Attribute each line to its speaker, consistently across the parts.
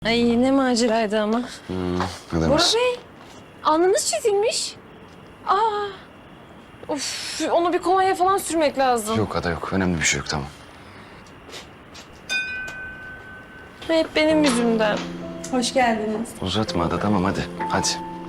Speaker 1: Ay ne maceraydı ama.
Speaker 2: Ne
Speaker 1: Bora Bey, alnınız çizilmiş. Aa, of, onu bir kolonya falan sürmek lazım.
Speaker 2: Yok Ada yok. Önemli bir şey yok, tamam.
Speaker 1: Hep benim yüzümden.
Speaker 3: Hoş geldiniz.
Speaker 2: Uzatma Ada, tamam hadi. Hadi.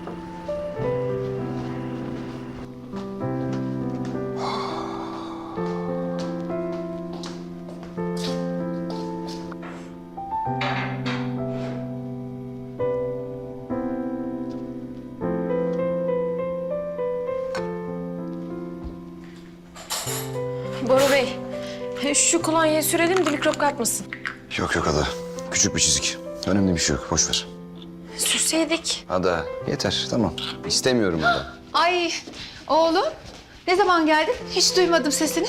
Speaker 1: Bora Bey, şu kolonyayı sürelim de mikrop kapmasın.
Speaker 2: Yok yok Ada. Küçük bir çizik. Önemli bir şey yok. Boş ver.
Speaker 1: Sürseydik.
Speaker 2: Ada yeter, tamam. İstemiyorum Ada.
Speaker 4: Ay oğlum ne zaman geldin? Hiç duymadım sesini.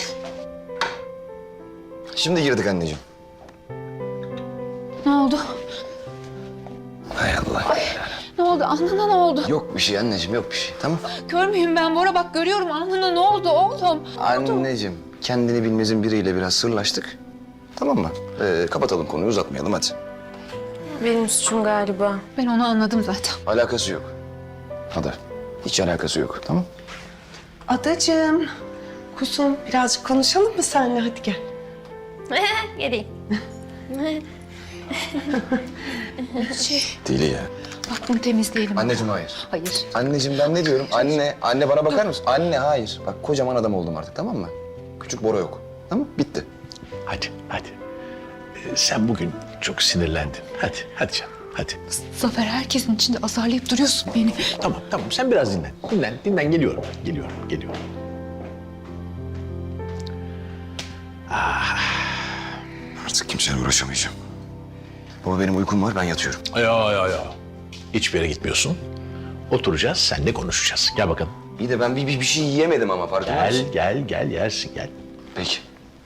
Speaker 2: Şimdi girdik anneciğim.
Speaker 4: Ne oldu?
Speaker 2: Hay Allah.
Speaker 4: Ne oldu? Alnına ne oldu?
Speaker 2: Yok bir şey anneciğim, yok bir şey. Tamam.
Speaker 4: Kör müyüm ben Bora? Bak görüyorum alnına ne oldu oğlum?
Speaker 2: Anneciğim, kendini bilmezin biriyle biraz sırlaştık. Tamam mı? Kapatalım konuyu, uzatmayalım hadi.
Speaker 1: Benim suçum galiba.
Speaker 4: Ben onu anladım zaten.
Speaker 2: Alakası yok. Ada, hiç alakası yok, tamam?
Speaker 3: Adacığım, kuzum birazcık konuşalım mı seninle? Hadi gel.
Speaker 1: Geleyim.
Speaker 2: Deli ya.
Speaker 4: Bak bunu temizleyelim.
Speaker 2: Anneciğim hayır.
Speaker 4: Hayır.
Speaker 2: Anneciğim ben ne diyorum? Anne bana bakar mısın? Anne hayır. Bak kocaman adam oldum artık, tamam mı? Küçük Bora yok. Tamam, bitti.
Speaker 5: Hadi. Sen bugün çok sinirlendin. Hadi canım, hadi.
Speaker 4: Zafer herkesin içinde azarlayıp duruyorsun beni.
Speaker 5: Tamam. Sen biraz dinlen. Dinlen, geliyorum.
Speaker 2: Artık kimseyle uğraşamayacağım. Baba benim uykum var, ben yatıyorum.
Speaker 5: Ya. Hiçbir yere gitmiyorsun. Oturacağız, seninle konuşacağız. Gel bakalım.
Speaker 2: İyi de ben bir şey yiyemedim ama farkında mısın?
Speaker 5: Gel yersin, gel.
Speaker 2: Peki.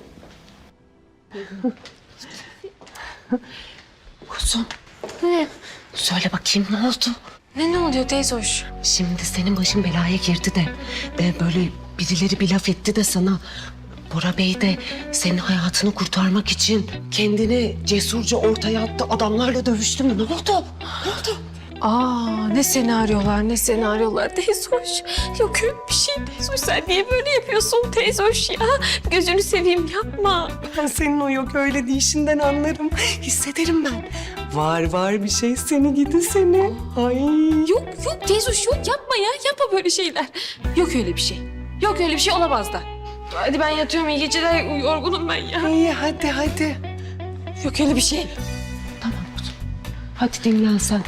Speaker 6: Kuzum. Söyle bakayım ne oldu?
Speaker 1: Ne oluyor teyze hoş?
Speaker 6: Şimdi senin başın belaya girdi de böyle birileri bir laf etti de sana. Bora Bey de senin hayatını kurtarmak için kendini cesurca ortaya attı. Adamlarla dövüştü mü? Ne oldu?
Speaker 1: Aa, ne senaryolar teyze hoş. Yok öyle bir şey teyze hoş. Sen niye böyle yapıyorsun teyze hoş ya? Gözünü seveyim yapma.
Speaker 3: Ben senin o yok öyle deyişinden anlarım. Hissederim ben. Var bir şey seni gidi seni. Ay.
Speaker 1: Yok teyze hoş yok yapma ya. Yapma böyle şeyler. Yok öyle bir şey. Yok öyle bir şey olamaz da. Hadi ben yatıyorum, iyi geceler, yorgunum ben ya.
Speaker 3: İyi hadi.
Speaker 1: Yok öyle bir şey.
Speaker 6: Tamam kuzum. Hadi dinlen sen.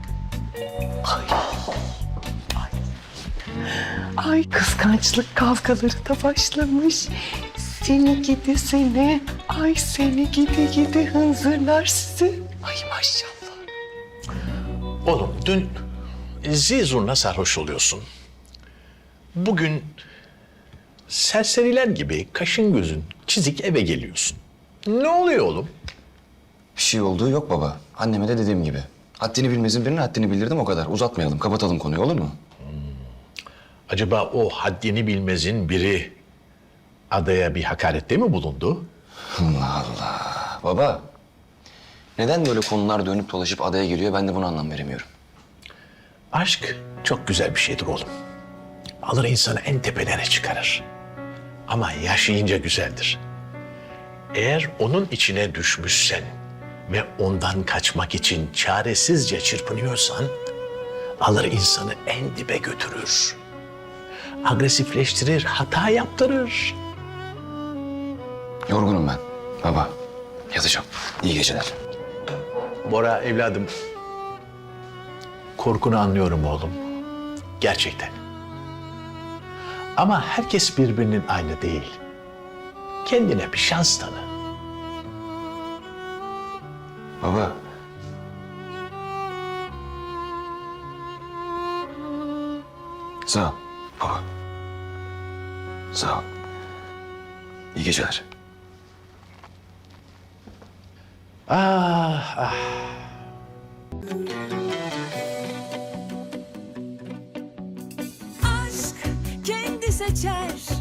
Speaker 3: Ay kıskançlık kavgaları da başlamış. Seni gidi seni. Ay seni gidi hınzırlar sizi. Ay maşallah.
Speaker 5: Oğlum dün zizurna sarhoş oluyorsun. Bugün serseriler gibi kaşın gözün çizik eve geliyorsun. Ne oluyor oğlum?
Speaker 2: Bir şey olduğu yok baba. Anneme de dediğim gibi. Haddini bilmezin birine haddini bildirdim, o kadar. Uzatmayalım, kapatalım konuyu, olur mu?
Speaker 5: Acaba o haddini bilmezin biri adaya bir hakarette mi bulundu?
Speaker 2: Allah Allah. Baba, neden böyle konular dönüp dolaşıp adaya geliyor, ben de buna anlam veremiyorum.
Speaker 5: Aşk çok güzel bir şeydir oğlum. Alır insanı en tepelere çıkarır. Ama yaşayınca güzeldir. Eğer onun içine düşmüşsen ve ondan kaçmak için çaresizce çırpınıyorsan, alır insanı en dibe götürür. Agresifleştirir, hata yaptırır.
Speaker 2: Yorgunum ben. Baba, yatacağım. İyi geceler.
Speaker 5: Bora evladım, korkunu anlıyorum oğlum. Gerçekten. Ama herkes birbirinin aynı değil. Kendine bir şans tanı.
Speaker 2: Baba. Sağ ol baba. Sağ ol. İyi geceler.
Speaker 5: Ah.
Speaker 7: Aşk kendi seçer